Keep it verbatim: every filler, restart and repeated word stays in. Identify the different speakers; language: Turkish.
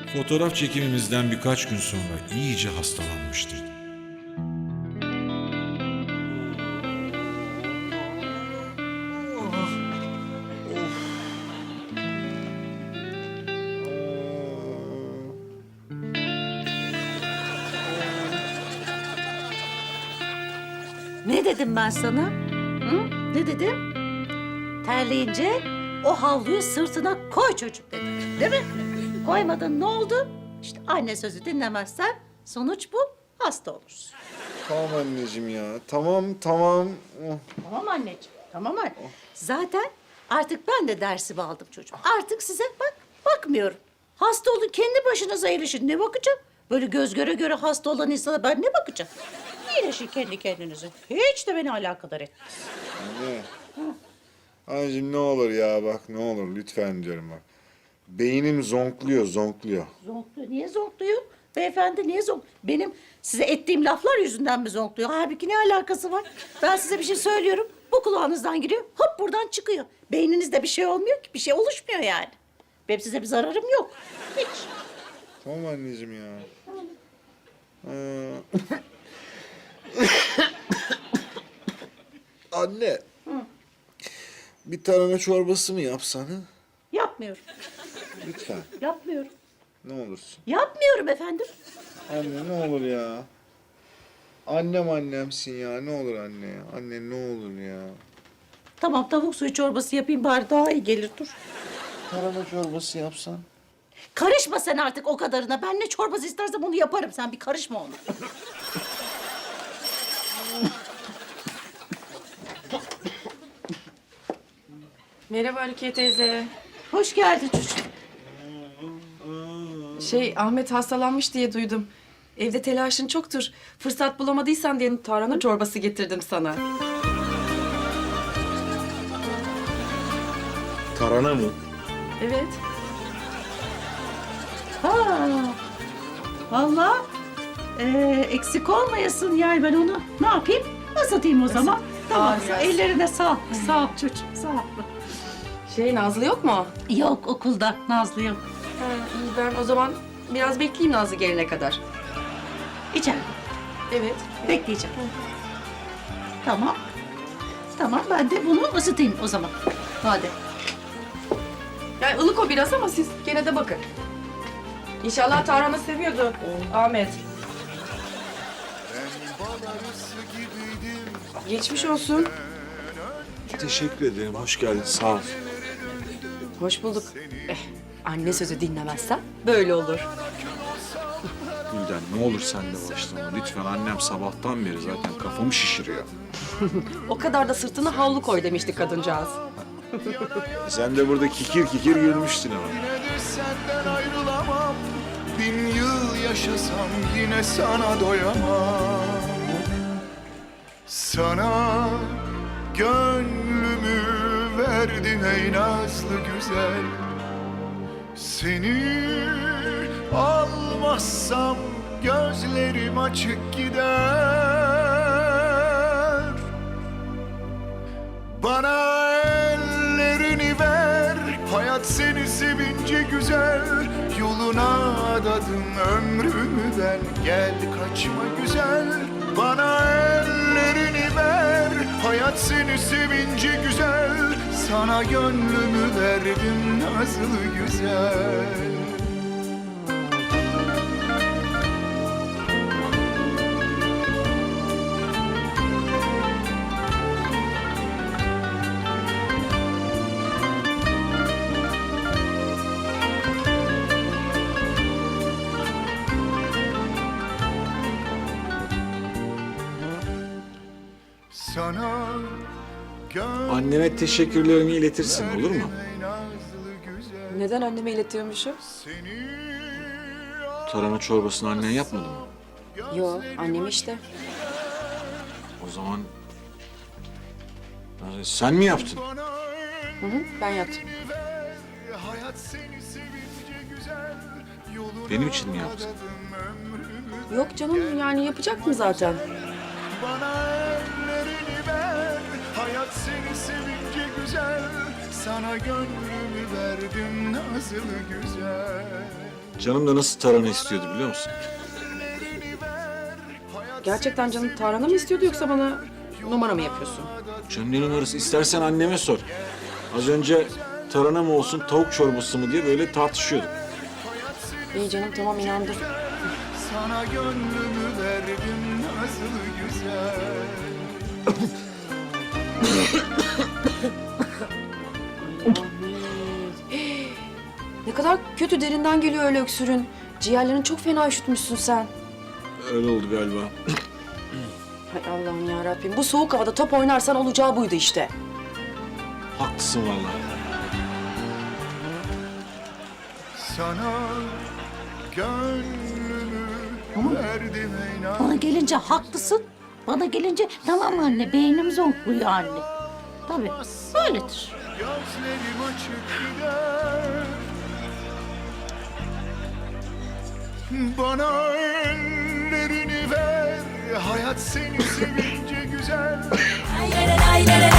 Speaker 1: Fotoğraf çekimimizden birkaç gün sonra iyice hastalanmıştı.
Speaker 2: Ne dedim ben sana? Hı? Ne dedim? Terleyince o havluyu sırtına koy çocuk dedim. Değil mi? Koymadın, ne oldu? İşte anne sözü dinlemezsen sonuç bu, hasta olursun.
Speaker 3: Tamam anneciğim ya. Tamam, tamam. Oh.
Speaker 2: Tamam anneciğim, tamam anne. Zaten artık ben de dersimi aldım çocuğum. Artık size bak, bakmıyorum. Hasta olun, kendi başınıza iyileşin. Ne bakacağım? Böyle göz göre göre hasta olan insana ben ne bakacağım? İyileşin kendi kendinize. Hiç de beni alakadar etmez.
Speaker 3: Anne. Anneciğim ne olur ya bak ne olur lütfen diyorum bak. Beynim zonkluyor, zonkluyor.
Speaker 2: Zonkluyor. Niye zonkluyor? Beyefendi niye zonk? Benim size ettiğim laflar yüzünden mi zonkluyor? Halbuki ne alakası var? Ben size bir şey söylüyorum. Bu kulağınızdan giriyor. Hop buradan çıkıyor. Beyninizde bir şey olmuyor ki. Bir şey oluşmuyor yani. Benim size bir zararım yok. Hiç.
Speaker 3: Tamam anneciğim ya. Ee... Anne. Bir tarhana çorbası mı yapsan ha?
Speaker 2: Yapmıyorum.
Speaker 3: Lütfen.
Speaker 2: Yapmıyorum.
Speaker 3: Ne olursun.
Speaker 2: Yapmıyorum efendim.
Speaker 3: Anne ne olur ya. Annem annemsin ya. Ne olur anne ya. Anne ne olur ya.
Speaker 2: Tamam, tavuk suyu çorbası yapayım bari, daha iyi gelir, dur.
Speaker 3: Tarhana çorbası yapsan.
Speaker 2: Karışma sen artık o kadarına. Ben ne çorbası istersem onu yaparım. Sen bir karışma ona.
Speaker 4: Merhaba Rukiye teyze.
Speaker 2: Hoş geldin çocuğum.
Speaker 4: Şey, Ahmet hastalanmış diye duydum. Evde telaşın çoktur. Fırsat bulamadıysan diye tarhana çorbası getirdim sana.
Speaker 1: Tarhana mı?
Speaker 4: Evet.
Speaker 2: Ha. Vallahi ee, eksik olmayasın yani, ben onu ne yapayım? Isıtayım o zaman. Tamam.
Speaker 4: Aa, biraz.
Speaker 2: Ellerine sağlık. Sağ ol çocuğum. Sağ ol.
Speaker 4: Şey, Nazlı yok mu?
Speaker 2: Yok, okulda Nazlı yok.
Speaker 4: Ha, iyi, ben o zaman biraz bekleyeyim Nazlı gelene kadar.
Speaker 2: İçeride.
Speaker 4: Evet.
Speaker 2: Bekleyeceğim. Tamam. Tamam, ben de bunu ısıtayım o zaman. Hadi.
Speaker 4: Yani ılık o biraz ama siz gene de bakın. İnşallah tarhana seviyordu Ahmet. Geçmiş olsun.
Speaker 1: Teşekkür ederim. Hoş geldin. Sağ ol.
Speaker 4: Hoş bulduk. Eh, anne sözü dinlemezsen böyle olur.
Speaker 1: Gülden ne olur sen de başlama. Lütfen, annem sabahtan beri zaten kafamı şişiriyor.
Speaker 4: O kadar da sırtına havlu koy demişti kadıncağız.
Speaker 1: Sen de burada kikir kikir gülmüştün ama.
Speaker 5: Yine de senden ayrılamam. Bin yıl yaşasam yine sana doyamam. Sana gönlümü verdim ey nazlı güzel. Seni almazsam gözlerim açık gider. Bana ellerini ver, hayat seni sevince güzel. Yoluna adadım ömrümü ben, gel kaçma güzel. Bana ellerini ver, hayat seni sevince güzel. Sana gönlümü verdim nazlı güzel. Sana
Speaker 1: Anneme teşekkürlerimi iletirsin, olur mu?
Speaker 4: Neden anneme iletiyormuşum?
Speaker 1: Tarhana çorbasını annen yapmadı mı?
Speaker 4: Yo, annem işte.
Speaker 1: O zaman... e, sen mi yaptın?
Speaker 4: Hı hı, ben yaptım.
Speaker 1: Benim için mi yaptın?
Speaker 4: Yok canım, yani yapacak mı zaten?
Speaker 5: Bana ellerini ver, hayat seni sevince güzel. Sana gönlümü verdim nazlı güzel.
Speaker 1: Canım da nasıl tarhana istiyordu biliyor musun?
Speaker 4: Gerçekten canım tarhana mı istiyordu yoksa bana numara mı yapıyorsun?
Speaker 1: Canım ne numarası? İstersen anneme sor. Az önce tarhana mı olsun, tavuk çorbası mı diye böyle tartışıyorduk.
Speaker 4: İyi canım tamam inandım.
Speaker 5: Sana gönlümü verdim nasıl güzel.
Speaker 4: Ne kadar kötü derinden geliyor öyle öksürün. Ciğerlerini çok fena üşütmüşsün sen.
Speaker 1: Öyle oldu galiba.
Speaker 4: Hay Allah'ım ya Rabbim. Bu soğuk havada top oynarsan olacağı buydu işte.
Speaker 1: Haklısın vallahi.
Speaker 5: Sana gönlümü verdim inan.
Speaker 2: Bana gelince haklısın. Bana gelince tamam anne beynim zonkluyor anne. Tabii böyledir.
Speaker 5: Gözlerim açık gider. Bana ellerini ver. Hayat seni sevince güzel.